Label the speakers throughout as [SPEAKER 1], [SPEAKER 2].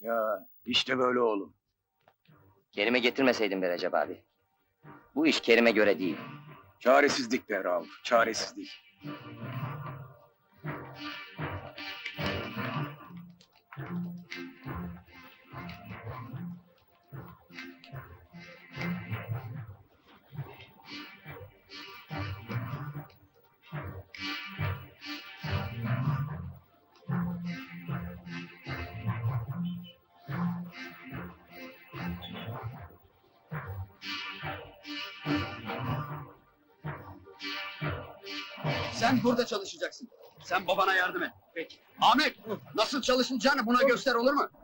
[SPEAKER 1] Ya işte böyle oğlum.
[SPEAKER 2] Kerim'i getirmeseydin be Recep abi. Bu iş Kerim'e göre değil.
[SPEAKER 1] Çaresizlik be Rauf, çaresizlik.
[SPEAKER 3] Sen burada çalışacaksın. Sen babana yardım et. Peki. Ahmet, nasıl çalışılacağını buna göster, olur mu?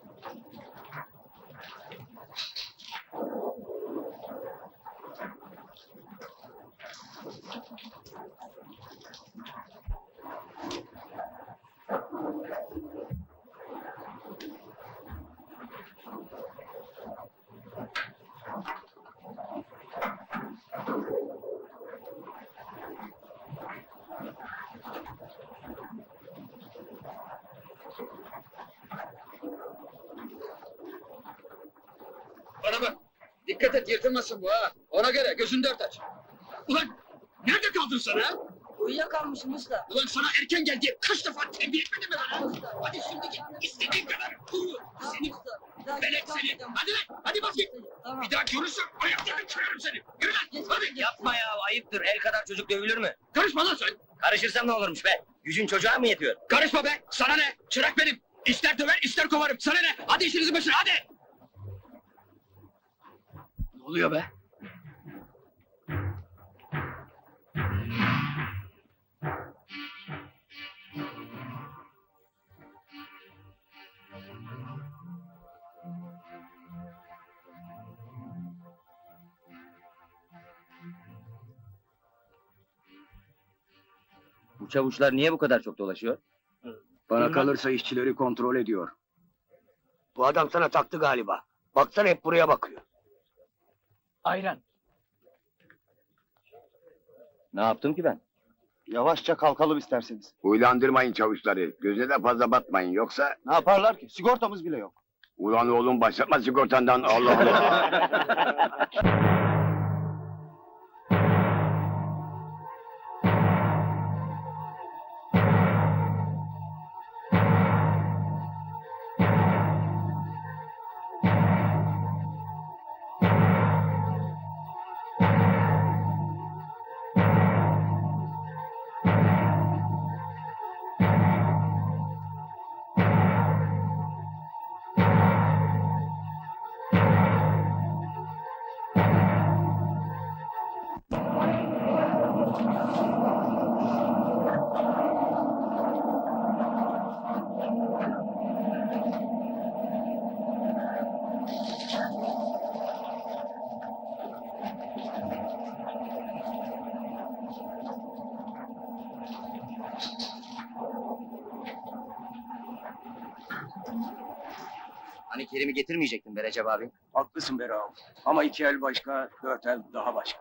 [SPEAKER 3] Bana bak, dikkat et yırtılmasın bu ha. Ona göre gözünü dört aç. Ulan, nerede kaldın sen ha?
[SPEAKER 4] Uyuyakalmışım usta.
[SPEAKER 3] Ulan sana erken gel diye kaç defa tembih etmedim mi ben ha? Hadi şimdi git, istediğin kadar uyu. Seni velet seni. Hadi lan, hadi bas git.
[SPEAKER 4] Tamam.
[SPEAKER 3] Bir daha görürsem ayaklarını kırarım seni. Yürü lan, hadi.
[SPEAKER 2] Yapma ya, ayıptır. El kadar çocuk dövülür mü?
[SPEAKER 3] Karışma lan sen.
[SPEAKER 2] Karışırsam ne olurmuş be? Gücün çocuğa mı yetiyor?
[SPEAKER 3] Karışma be, sana ne? Çırak benim. İster döver, ister kovarım. Sana ne? Hadi işinizin başına, hadi. Ne oluyor be?
[SPEAKER 2] Bu çavuşlar niye bu kadar çok dolaşıyor?
[SPEAKER 1] Bana kalırsa işçileri kontrol ediyor.
[SPEAKER 5] Bu adam sana taktı galiba. Baksana hep buraya bakıyor.
[SPEAKER 3] Ayran.
[SPEAKER 2] Ne yaptım ki ben?
[SPEAKER 5] Yavaşça kalkalım isterseniz.
[SPEAKER 6] Uylandırmayın çavuşları. Göze de fazla batmayın. Yoksa
[SPEAKER 5] Ne yaparlar ki? Sigortamız bile yok.
[SPEAKER 6] ulan oğlum başlatma sigortandan. Allah Allah.
[SPEAKER 2] Hani Kerim'i getirmeyecektin be Recep abi?
[SPEAKER 1] Haklısın be Rauf. Ama 2 el başka, 4 el daha başka.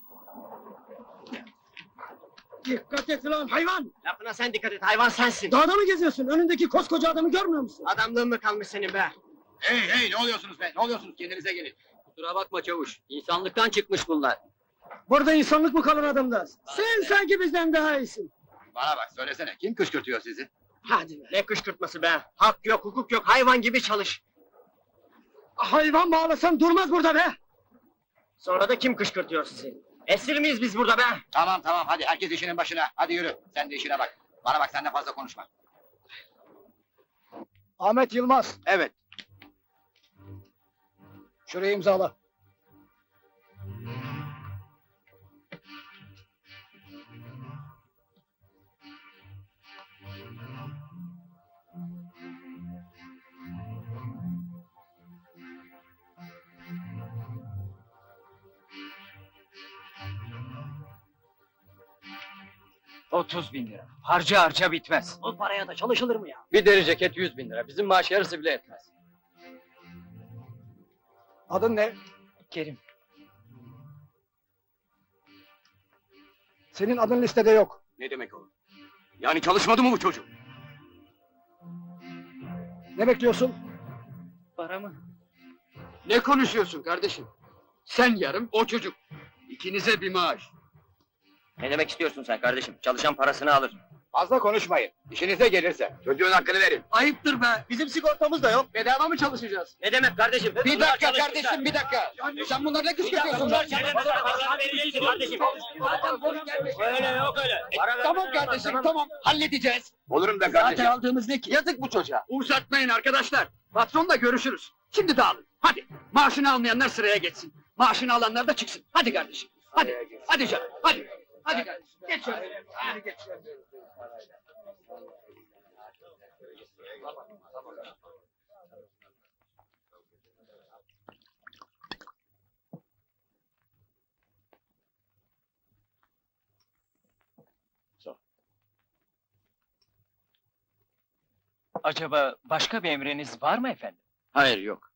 [SPEAKER 7] Dikkat et lan hayvan!
[SPEAKER 5] Lafına sen dikkat et, hayvan sensin.
[SPEAKER 7] Dağda mı geziyorsun? Önündeki koskoca adamı görmüyor musun?
[SPEAKER 5] Adamlığın mı kalmış senin be?
[SPEAKER 3] Hey hey, ne oluyorsunuz be? Ne oluyorsunuz? Kendinize gelin.
[SPEAKER 2] Kusura bakma çavuş. İnsanlıktan çıkmış bunlar.
[SPEAKER 7] Burada insanlık mı kalır adamda? Sen sanki bizden daha iyisin.
[SPEAKER 3] Bana bak, söylesene. Kim kışkırtıyor sizi?
[SPEAKER 7] Hadi be.
[SPEAKER 5] Ne kışkırtması be? Hak yok, hukuk yok, hayvan gibi çalış.
[SPEAKER 7] Hayvan bağlasan durmaz burada be!
[SPEAKER 5] Sonra da kim kışkırtıyor sizi? Esir miyiz biz burada be?
[SPEAKER 3] Tamam tamam, hadi herkes işinin başına. Hadi yürü, sen de işine bak. Bana bak, sen de fazla konuşma.
[SPEAKER 7] Ahmet Yılmaz,
[SPEAKER 3] Evet.
[SPEAKER 7] şurayı imzala.
[SPEAKER 5] $30.000. Harca harca bitmez.
[SPEAKER 7] O paraya da çalışılır mı ya?
[SPEAKER 5] Bir deri ceket 100.000. Bizim maaş yarısı bile etmez.
[SPEAKER 7] Adın ne?
[SPEAKER 5] Kerim.
[SPEAKER 7] Senin adın listede yok.
[SPEAKER 3] Ne demek o? Yani çalışmadı mı bu çocuk?
[SPEAKER 7] Ne bekliyorsun?
[SPEAKER 2] Para mı?
[SPEAKER 3] Ne konuşuyorsun kardeşim? Sen yarım, o çocuk. İkinize bir maaş.
[SPEAKER 2] Ne demek istiyorsun sen kardeşim? Çalışan parasını alır.
[SPEAKER 6] Fazla konuşmayın. İşinize gelirse. Çocuğun hakkını verin.
[SPEAKER 3] Ayıptır be!
[SPEAKER 7] Bizim sigortamız da yok.
[SPEAKER 3] Bedava mı çalışacağız?
[SPEAKER 2] Ne demek kardeşim?
[SPEAKER 3] Bir dakika kardeşim, bir dakika! Sen bunları ne kışkırtıyorsun be?
[SPEAKER 2] Öyle yok öyle.
[SPEAKER 3] Tamam kardeşim, tamam. Halledeceğiz.
[SPEAKER 6] Olurum da kardeşim.
[SPEAKER 3] aldığımız ne ki? Yazık bu çocuğa. Uzatmayın arkadaşlar. Patronla görüşürüz. Şimdi dağılın. Hadi. Maaşını almayanlar sıraya geçsin. Maaşını alanlar da çıksın. Hadi kardeşim. Hadi. Hadi canım. Hadi. Hadi kardeşim. Geç şöyle. Hadi geç şöyle.
[SPEAKER 8] Acaba başka bir emriniz var mı efendim?
[SPEAKER 1] Hayır yok.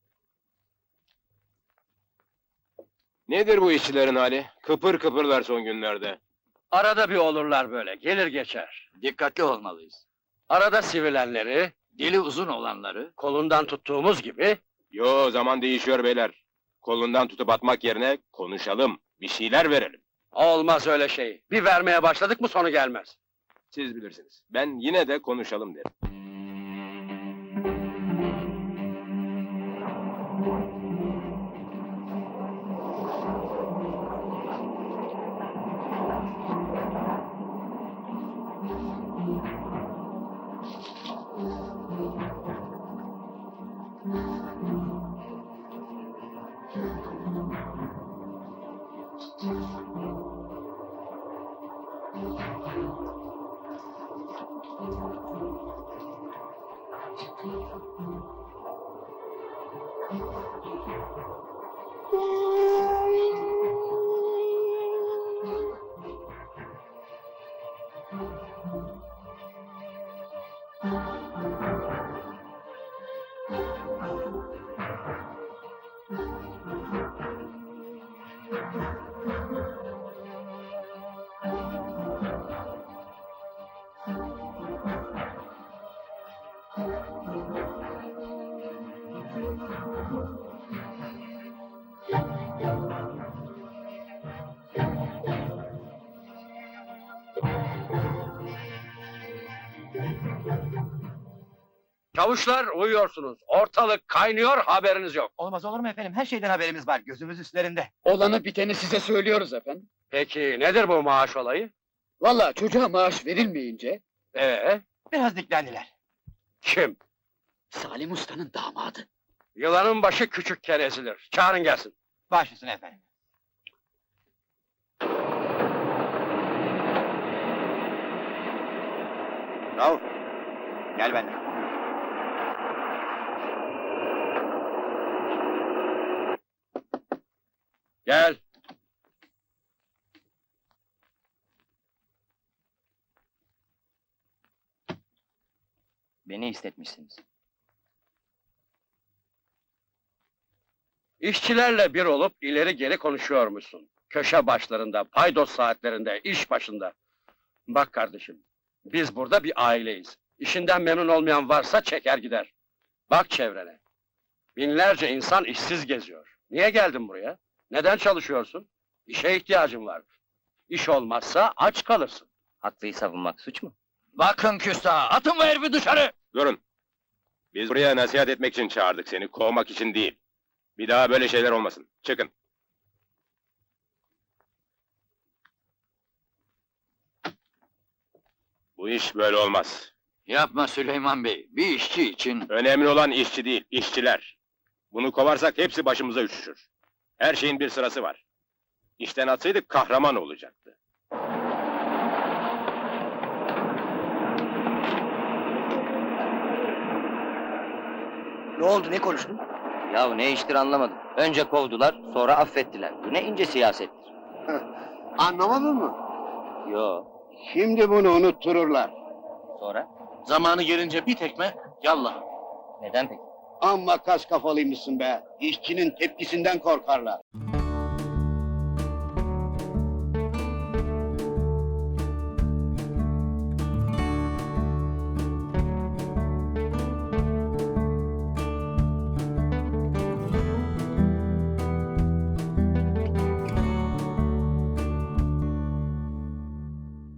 [SPEAKER 6] Nedir bu işçilerin hali? Kıpır kıpırlar son günlerde.
[SPEAKER 5] Arada bir olurlar böyle, gelir geçer.
[SPEAKER 1] Dikkatli olmalıyız.
[SPEAKER 5] Arada sivilenleri,
[SPEAKER 1] Dili uzun olanları.
[SPEAKER 5] kolundan tuttuğumuz gibi...
[SPEAKER 6] Yo, zaman değişiyor beyler. Kolundan tutup atmak yerine konuşalım, bir şeyler verelim.
[SPEAKER 5] Olmaz öyle şey. Bir vermeye başladık mı sonu gelmez.
[SPEAKER 6] Siz bilirsiniz. Ben yine de konuşalım derim.
[SPEAKER 5] Çavuşlar uyuyorsunuz. Ortalık kaynıyor, haberiniz yok.
[SPEAKER 8] Olmaz olur mu efendim? Her şeyden haberimiz var. Gözümüz üstlerinde.
[SPEAKER 3] Olanı biteni size söylüyoruz efendim.
[SPEAKER 5] Peki nedir bu maaş olayı?
[SPEAKER 3] Vallahi çocuğa maaş verilmeyince
[SPEAKER 8] Biraz diklendiler.
[SPEAKER 5] Kim?
[SPEAKER 3] Salim Usta'nın damadı.
[SPEAKER 5] Yılanın başı küçükken ezilir. Çağırın gelsin.
[SPEAKER 8] Baş üstüne efendim.
[SPEAKER 6] Rauf, gel benimle.
[SPEAKER 5] Gel.
[SPEAKER 2] Beni istetmişsiniz.
[SPEAKER 5] İşçilerle bir olup ileri geri konuşuyormuşsun. Köşe başlarında, paydos saatlerinde, iş başında. Bak kardeşim, biz burada bir aileyiz. İşinden memnun olmayan varsa çeker gider. Bak çevrene. Binlerce insan işsiz geziyor. Niye geldin buraya? Neden çalışıyorsun? İşe ihtiyacın var. İş olmazsa aç kalırsın.
[SPEAKER 2] Haklıyı savunmak suç mu?
[SPEAKER 8] Bakın küstah! Atın bu herifi dışarı!
[SPEAKER 6] Durun. Biz buraya nasihat etmek için çağırdık seni, kovmak için değil. Bir daha böyle şeyler olmasın. Çıkın. Bu iş böyle olmaz.
[SPEAKER 1] Yapma Süleyman Bey. Bir işçi için
[SPEAKER 6] Önemli olan işçi değil, işçiler. Bunu kovarsak hepsi başımıza üşüşür. Her şeyin bir sırası var. İşten atsaydık kahraman olacaktı.
[SPEAKER 5] Ne oldu, ne konuştun?
[SPEAKER 2] Yahu ne iştir anlamadım. Önce kovdular, sonra affettiler. Bu ne ince siyasettir.
[SPEAKER 5] Anlamadın mı?
[SPEAKER 2] Yo,
[SPEAKER 5] Şimdi bunu unuttururlar.
[SPEAKER 2] sonra?
[SPEAKER 8] Zamanı gelince bir tekme, yallah!
[SPEAKER 2] Neden peki?
[SPEAKER 5] Amma kas kafalıymışsın be. İşçinin tepkisinden korkarlar.